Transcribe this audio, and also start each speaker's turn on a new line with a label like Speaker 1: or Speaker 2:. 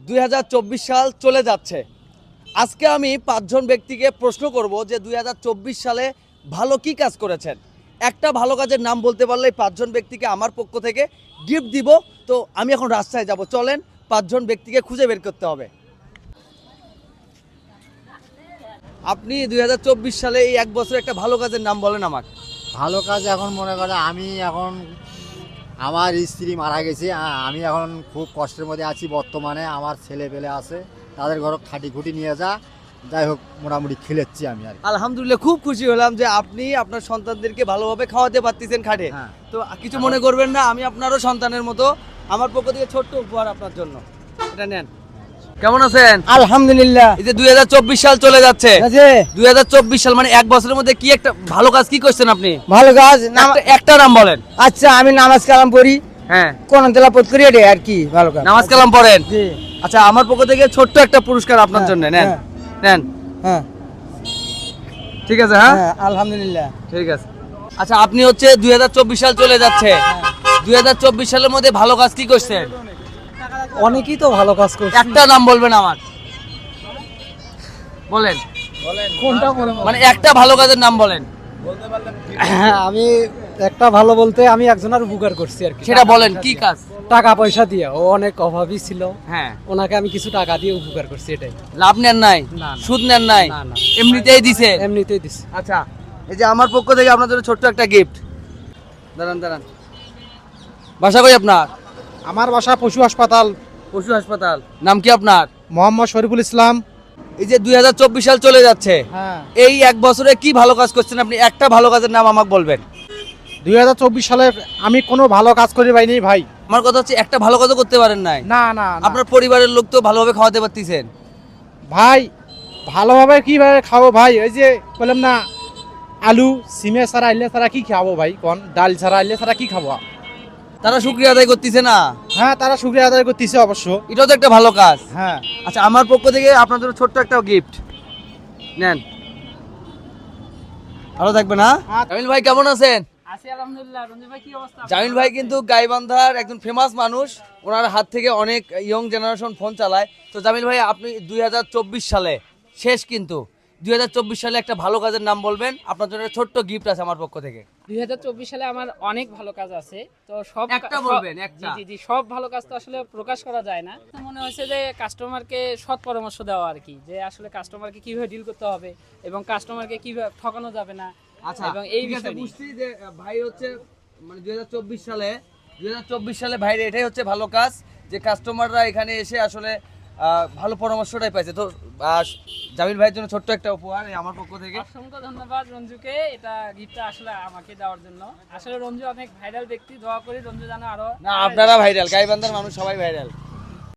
Speaker 1: 2024 সাল চলে যাচ্ছে। আজকে আমি 5 জন ব্যক্তিকে প্রশ্ন করব যে 2024 সালে ভালো কি কাজ করেছেন। একটা ভালো কাজের নাম বলতে পারলে 5 জন ব্যক্তিকে আমার পক্ষ থেকে গিফট দিব। তো আমি এখন রাস্তায় যাব, চলেন 5 জন ব্যক্তিকে খুঁজে বের করতে হবে। আপনি 2024 সালে এই এক বছর একটা ভালো কাজের নাম বলেন আমাকে।
Speaker 2: ভালো কাজ এখন মনে করে আমি এখন আমার স্ত্রী মারা গেছে, আমি এখন খুব কষ্টের মধ্যে আছি বর্তমানে। আমার ছেলে পেলে আছে, তাদের ঘর খাটি খুঁটি নিয়ে যাই হোক মোটামুটি খেলেছি আমি আর কি।
Speaker 1: আলহামদুলিল্লাহ, খুব খুশি হলাম যে আপনি আপনার সন্তানদেরকে ভালোভাবে খাওয়াতে পারতেছেন খাটে।
Speaker 2: হ্যাঁ।
Speaker 1: তো কিছু মনে করবেন না, আমি আপনারও সন্তানের মতো। আমার পক্ষ থেকে ছোট্ট উপহার আপনার জন্য, এটা নেন। কেমন আছেন?
Speaker 3: আলহামদুলিল্লাহ।
Speaker 1: এই যে 2024 সাল চলে যাচ্ছে, 2024 সাল মানে এক বছরের মধ্যে কি একটা ভালো কাজ কি করছেন আপনি?
Speaker 3: ভালো কাজ
Speaker 1: একটা নাম বলেন।
Speaker 3: আচ্ছা, আমি নামাজ কালাম পড়ি,
Speaker 1: হ্যাঁ,
Speaker 3: কোন তেলাওয়াত করি, এটা আর কি ভালো কাজ।
Speaker 1: নামাজ কালাম পড়েন?
Speaker 3: জি।
Speaker 1: আচ্ছা, আমার পক্ষ থেকে ছোট্ট একটা পুরস্কার আপনার জন্য, নেন
Speaker 3: হ্যাঁ।
Speaker 1: নেন।
Speaker 3: হ্যাঁ
Speaker 1: ঠিক আছে, হ্যাঁ
Speaker 3: হ্যাঁ, আলহামদুলিল্লাহ।
Speaker 1: ঠিক আছে। আচ্ছা, আপনি হচ্ছে 2024 সাল চলে যাচ্ছে, 2024 সালের মধ্যে ভালো কাজ কি করছেন?
Speaker 3: অনেকেই তো ভালো কাজ করছে,
Speaker 1: একটা নাম বলবেন আমার, বলেন।
Speaker 3: কোনটা মনে
Speaker 1: মানে একটা ভালো কাজের নাম বলেন।
Speaker 3: আমি একটা ভালো বলতে আমি একজনের উপকার করছি আর কি।
Speaker 1: সেটা বলেন, কি কাজ?
Speaker 3: টাকা পয়সা দিয়ে, ও অনেক অভাবী ছিল,
Speaker 1: হ্যাঁ,
Speaker 3: ওনাকে আমি কিছু টাকা দিয়ে উপকার করছি, এটাই।
Speaker 1: লাভ নেন নাই,
Speaker 3: না, না।
Speaker 1: সুদ নেন নাই,
Speaker 3: না, না।
Speaker 1: এমনিতেই দিছে?
Speaker 3: এমনিতেই দিছি।
Speaker 1: আচ্ছা, এই যে আমার পক্ষ থেকে আপনার জন্য ছোট্ট একটা গিফট। দাঁড়ান দাঁড়ান, বাসা কই আপনার?
Speaker 4: আমার বাসা পশু হাসপাতাল।
Speaker 1: পশু হাসপাতাল। নাম কি আপনার?
Speaker 4: মোহাম্মদ শরীফুল ইসলাম।
Speaker 1: এই যে 2024 সাল চলে যাচ্ছে,
Speaker 4: হ্যাঁ,
Speaker 1: এই এক বছরে কি ভালো কাজ করছেন আপনি? একটা ভালো কাজের নাম আমাকে বলবেন।
Speaker 4: 2024 সালে আমি কোনো ভালো কাজ করি পাইনি ভাই।
Speaker 1: আমার কথা হচ্ছে একটা ভালো কাজও করতে পারেন নাই।
Speaker 4: না না না।
Speaker 1: আপনার পরিবারের লোক তো ভালোভাবে খাওয়াতে পারতেছেন।
Speaker 4: ভাই ভালোভাবে কিভাবে খাবো ভাই? ওই যে বললাম না, আলু সিমে ছাড়া আইলে ছাড়া কি খাবো ভাই? কোন ডাল ছাড়া আইলে ছাড়া কি খাবো?
Speaker 1: তারা শুকরিয়া আদায় করতেছে না?
Speaker 4: হ্যাঁ, তারা শুকরিয়া আদায় করতেছে অবশ্য।
Speaker 1: এটাও তো একটা ভালো কাজ।
Speaker 4: হ্যাঁ।
Speaker 1: আচ্ছা, আমার পক্ষ থেকে আপনার জন্য ছোট্ট একটা গিফট, নেন। ভালো থাকবেন, হ্যাঁ? জামিল ভাই কেমন আছেন?
Speaker 3: আছি আলহামদুলিল্লাহ। রঞ্জিত ভাই কি অবস্থা?
Speaker 1: জামিল ভাই কিন্তু গাইবান্ধার একজন ফেমাস মানুষ, ওনার হাত থেকে অনেক ইয়ং জেনারেশন ফোন চালায়। তো জামিল ভাই, আপনি 2024 সালে শেষ, কিন্তু 2024 সালে একটা ভালো কাজের নাম বলবেন। আপনার জন্য একটা ছোট্ট গিফট আছে আমার পক্ষ থেকে।
Speaker 5: 2024 সালে আমার অনেক ভালো কাজ আছে, তো সব
Speaker 1: একটা বলবেন, একটা।
Speaker 5: জি জি জি, সব ভালো কাজ তো আসলে প্রকাশ করা যায় না। তো মনে হচ্ছে যে কাস্টমারকে সৎ পরামর্শ দেওয়া আর কি, যে আসলে কাস্টমারকে কিভাবে ডিল করতে হবে এবং কাস্টমারকে কিভাবে ঠকানো যাবে না।
Speaker 1: আচ্ছা,
Speaker 5: এবং এই
Speaker 1: ঠিক আছে,
Speaker 5: বিষয় নিয়ে।
Speaker 1: বুঝছি যে ভাই হচ্ছে মানে 2024 সালে ভাইরে এটাই হচ্ছে ভালো কাজ, যে কাস্টমাররা এখানে এসে আসলে ভালো পরামর্শটাই পাইছে। তো জামিল ভাইয়ের জন্য ছোট্ট একটা উপহার এই আমার পক্ষ থেকে।
Speaker 5: অসংখ্য ধন্যবাদ রঞ্জুকে, এটা গিফটটা আসলে আমাকে দেওয়ার জন্য। আসলে রঞ্জু অনেক ভাইরাল ব্যক্তি, দোয়া করি রঞ্জু যেন আরো।
Speaker 1: না, আপনারা ভাইরাল, গাইবান্ধার মানুষ সবাই ভাইরাল।